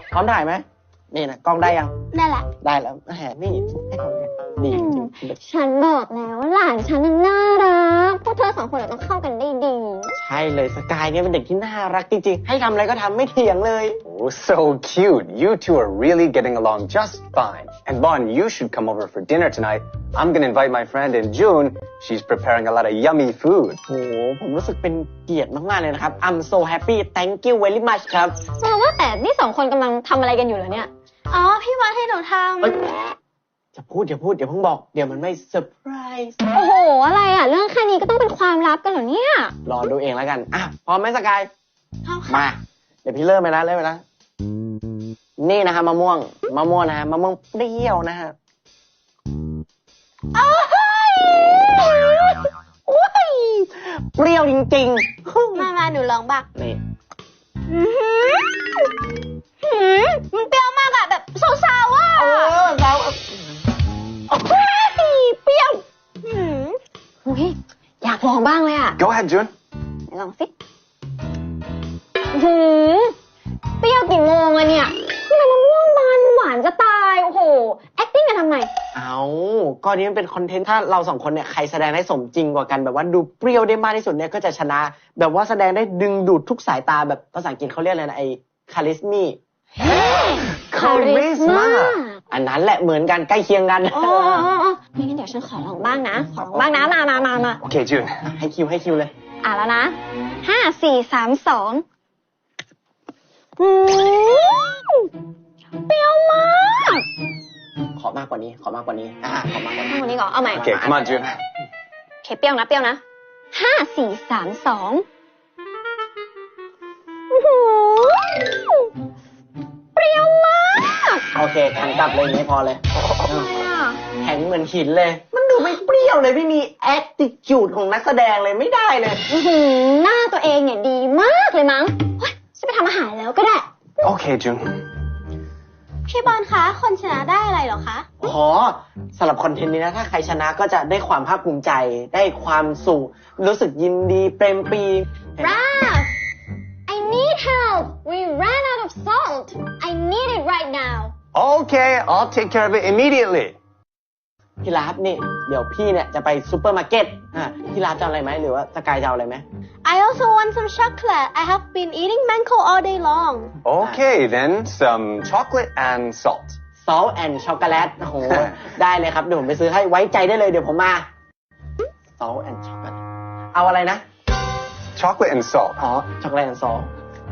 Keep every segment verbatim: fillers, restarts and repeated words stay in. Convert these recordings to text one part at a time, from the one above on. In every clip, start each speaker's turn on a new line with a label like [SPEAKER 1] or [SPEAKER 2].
[SPEAKER 1] พร้อมถ่ายไหมนี่นะกล้องได้ยัง
[SPEAKER 2] ได้ละ
[SPEAKER 1] ได้แล้วแหมนี่ให้เขาเนี่ยดีจริง
[SPEAKER 2] ฉันบอกแล้วหลานฉันน่ารักพวกเธอสองคนต้องเข้ากันได้ดี
[SPEAKER 1] ใช่เลยสกายเนี่ยเป็นเด็กที่น่ารักจริงๆให้ทำอะไรก็ทำไม่เถียงเลย
[SPEAKER 3] Oh, so cute. You two are really getting along just fine. And Bon, you should come over for dinner tonight. I'm gonna invite my friend in June. She's preparing a lot of yummy food.
[SPEAKER 1] โอ้โหผมรู้สึกเป็นเกียรติมากๆเลยนะครับ I'm so happy thank you very much ครับ
[SPEAKER 2] เออว่าแต่นี่สองคนกำลังทำอะไรกันอยู่เหรอเนี่ยอ๋อพี่วัดให้หนูทำ
[SPEAKER 1] จะพูดอย่าพูดอย่าเพิ่งบอกเดี๋ยวมันไม่เซอร์ไพรส์
[SPEAKER 2] โอ้โหอะไรอ่ะเรื่องแค่นี้ก็ต้องเป็นความลับกันเหรอเนี่ย
[SPEAKER 1] รอดูเองแล้วกันอ่ะพร้อมไหมสกายมาเดี๋ยวพี่เริ่มไปแล้วเริ่มไปแล้วนี่นะฮะมะม่วงมะม่วงนะฮะมะม่วงเปรี้ยวนะฮะเปรี้ยวจริง
[SPEAKER 2] ๆมามาหนูลองบ้าง
[SPEAKER 1] นี่
[SPEAKER 2] มันเปรี้ยวมากอะแบบสาวๆอ่ะ
[SPEAKER 1] เออสาว
[SPEAKER 2] เปรี้ยวอุ้ยอยากลองบ้างเลยอ่ะ
[SPEAKER 3] Go ahead, June.
[SPEAKER 2] ลองสิหืมเปรี้ยวกี่โมงอะเนี่ยนี่มันมะม่วงบานหวานจะตายโอ้โห acting กันทำไม
[SPEAKER 1] เอาก็นี้มันเป็นคอนเทนต์ถ้าเราสองคนเนี่ยใครแสดงได้สมจริงกว่ากันแบบว่าดูเปรี้ยวได้มากที่สุดเนี่ยก็จะชนะแบบว่าแสดงได้ดึงดูดทุกสายตาแบบภาษาอังกฤษเขาเรียกอะไรนะไอ้คาริสมี
[SPEAKER 2] คาริสมา
[SPEAKER 1] อันนั้นแหละเหมือนกันใกล้เคียงกัน
[SPEAKER 2] อ๋อไม่งั้นเดี๋ยวฉันขอลองบ้างนะขอลองบ้างนะมามามามา
[SPEAKER 3] Okay, June.
[SPEAKER 1] ให้คิวให้คิวเลย
[SPEAKER 2] อ่ะแล้วนะห้าสี่สามสองเปรี้ยวมาก
[SPEAKER 1] ขอมากกว่านี้ขอมากกว่านี้อ่าขอมากกว่านี้
[SPEAKER 2] มากกว่านี้ก่อนเอาใหม่
[SPEAKER 3] Okay, come on, June.
[SPEAKER 2] โอเคเปรี้ยวนะเปรี้ยวนะห้าสี่สามสองเปรี้ยวมาก
[SPEAKER 1] โอเคแข็งกลับเลยนี้พอเลยแข็งเหมือนหินเลยมันดูไม่เปรี้ยวเลยไม่มี attitude ของนักแสดงเลยไม่ได้เลย
[SPEAKER 2] หน้าตัวเองเนี่ยดีมากเลยมั้งจะไปทำอาหารแล้วก็ได้
[SPEAKER 3] Okay, June.
[SPEAKER 2] พี่บอลคะคนชนะได้อะไรหรอคะ
[SPEAKER 1] อ๋อสำหรับคอนเทนต์นี้นะถ้าใครชนะก็จะได้ความภาคภูมิใจได้ความสุขรู้สึกยินดีเปรมปรี
[SPEAKER 2] Ralph I need help we ran out of salt I need it right now
[SPEAKER 3] Okay, I'll take care of it immediately.
[SPEAKER 1] พี่ลาฟนี่เดี๋ยวพี่เนี่ยจะไปซูเปอร์มาร์เก็ตอ่ะพี่ลาฟจะเอาอะไรไหมหรือว่าสกายจะเอาอะไรไหม
[SPEAKER 2] I also want some chocolate I have been eating mango all day long
[SPEAKER 3] Okay, then some chocolate and salt.
[SPEAKER 1] Salt and chocolate โอ้โห ได้เลยครับเดี๋ยวผมไปซื้อให้ไว้ใจได้เลยเดี๋ยวผมมา Salt and chocolate เอาอะไรนะ
[SPEAKER 3] Chocolate and salt.
[SPEAKER 1] อ๋อ chocolate and salt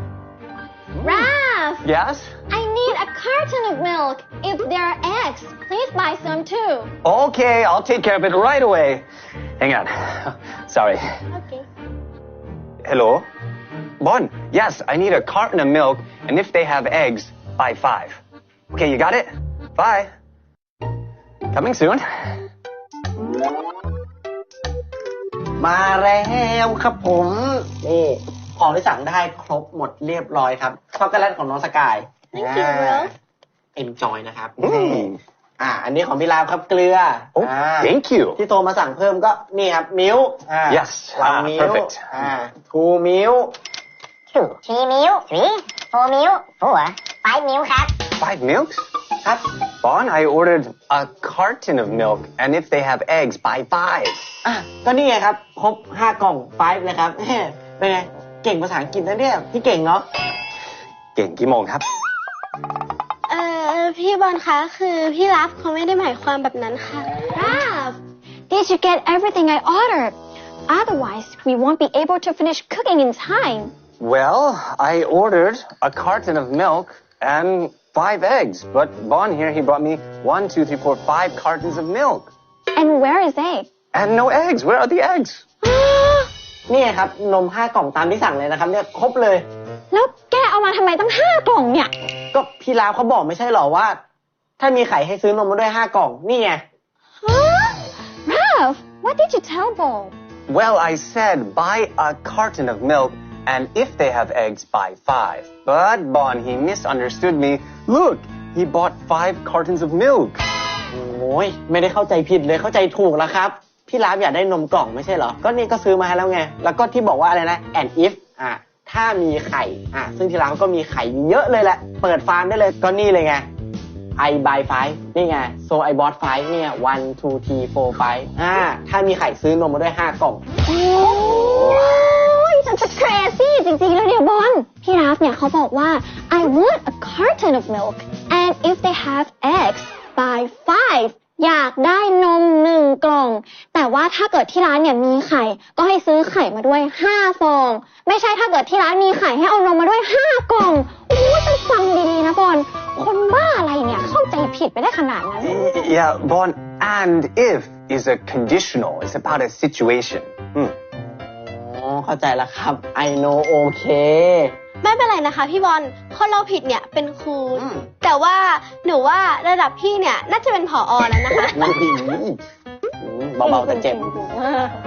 [SPEAKER 2] Ralph
[SPEAKER 3] Yes?
[SPEAKER 2] I need a carton of milk if there are eggs please buy some too
[SPEAKER 3] Okay, I'll take care of it right away. Hang on. Sorry.
[SPEAKER 2] Okay.
[SPEAKER 3] Hello? Bon, yes, I need a carton of milk, and if they have eggs, buy five. Okay, you got it? Bye. Coming soon.
[SPEAKER 1] มาแล้วครับผมนี่ของที่สั่งได้ครบหมดเรียบร้อยครับช็อกโกแลตของน้องสกาย
[SPEAKER 2] Thank you, Ralph.
[SPEAKER 1] Enjoy นะครับ
[SPEAKER 3] Mm.
[SPEAKER 1] อ่าอันนี้ของพี่ลาฟครับเกลือ
[SPEAKER 3] Oh, thank you.
[SPEAKER 1] ที่โทรมาสั่งเพิ่มก็นี่ครับมิลค์
[SPEAKER 3] Yes,
[SPEAKER 1] วัน
[SPEAKER 3] ah,
[SPEAKER 1] มิล
[SPEAKER 3] perfect.
[SPEAKER 1] อ่าทูมิล
[SPEAKER 4] two three meal three four meal four five meal ครับ
[SPEAKER 3] Five milks?
[SPEAKER 1] ครับ
[SPEAKER 3] Bon, I ordered a carton of milk, and if they have eggs, buy five.
[SPEAKER 1] อ่ะก็นี่ไงครับครบห้ากล่อง five เลยครับเป็นไงเก่งภาษาอังกฤษนะเนี่ยพี่เก่งเนาะ
[SPEAKER 3] เก่งกี่โมงครับ
[SPEAKER 2] เอ่อพี่บอลคะคือพี่รับเขาไม่ได้หมายความแบบนั้นค่ะ Ralph did you get everything I ordered otherwise we won't be able to finish cooking in time
[SPEAKER 3] Well, I ordered a carton of milk and five eggs, but Bon here, he brought me one, two, three, four, five cartons of milk.
[SPEAKER 2] and where is egg
[SPEAKER 3] And no eggs. Where are the eggs?
[SPEAKER 1] นี่ครับนมห้ากล่องตามที่สั่งเลยนะครับเนี่ยครบเลย
[SPEAKER 2] แล้วแกเอามาทำไมตั้งห้ากล่องเนี่ย
[SPEAKER 1] ก็พี่ลาฟเขาบอกไม่ใช่หรอว่าถ้ามีไข่ให้ซื้อนมมาด้วยห้ากล่องนี่ไง
[SPEAKER 2] Ralph what did you tell Bo
[SPEAKER 3] Well, I said buy a carton of milk, and if they have eggs, buy five. But Bon, he misunderstood me. Look, he bought five cartons of milk.
[SPEAKER 1] โอ้ยไม่ได้เข้าใจผิดเลยเข้าใจถูกแล้วครับพี่ลาฟอยากได้นมกล่องไม่ใช่เหรอก็นี่ก็ซื้อมาให้แล้วไงแล้วก็ที่บอกว่าอะไรนะ and if อ่ะถ้ามีไข่อ่ะซึ่งที่ร้านก็มีไข่เยอะเลยแหละเปิดฟาร์มได้เลยก็นี่เลยไง I buy five นี่ไง so I bought five เนี่ย one two three four five อ่าถ้ามีไข่ซื้อนมมาด้วยห้ากล่อง
[SPEAKER 2] โอ้ยฉันจะ crazy จริงๆแล้วเนี่ยบอลพี่ราฟเนี่ยเขาบอกว่า I want a carton of milk and if they have eggs buy five อยากได้นมหนึ่งกล่องแต่ว่าถ้าเกิดที่ร้านเนี่ยมีไข่ก็ให้ซื้อไข่มาด้วยห้าฟองไม่ใช่ถ้าเกิดที่ร้านมีไข่ให้เอานมมาด้วยห้ากล่องโอ้ยต้องฟังดีๆนะบอลคนบ้าอะไรเนี่ยเข้าใจผิดไปได้ขนาดนั้น
[SPEAKER 3] Yeah, Bon, and if is a conditional. It's about a situation. Hmm.
[SPEAKER 1] อ๋อเข้าใจแล้วครับ I know okay
[SPEAKER 5] ไม่เป็นไรนะคะพี่บอลคนเราผิดเนี่ยเป็นครู
[SPEAKER 1] อืม
[SPEAKER 5] แต่ว่าหนูว่าระดับพี่เนี่ยน่าจะเป็นผอ.แล้วนะคะ
[SPEAKER 1] นั่นดีเบาๆแต่เจ็บ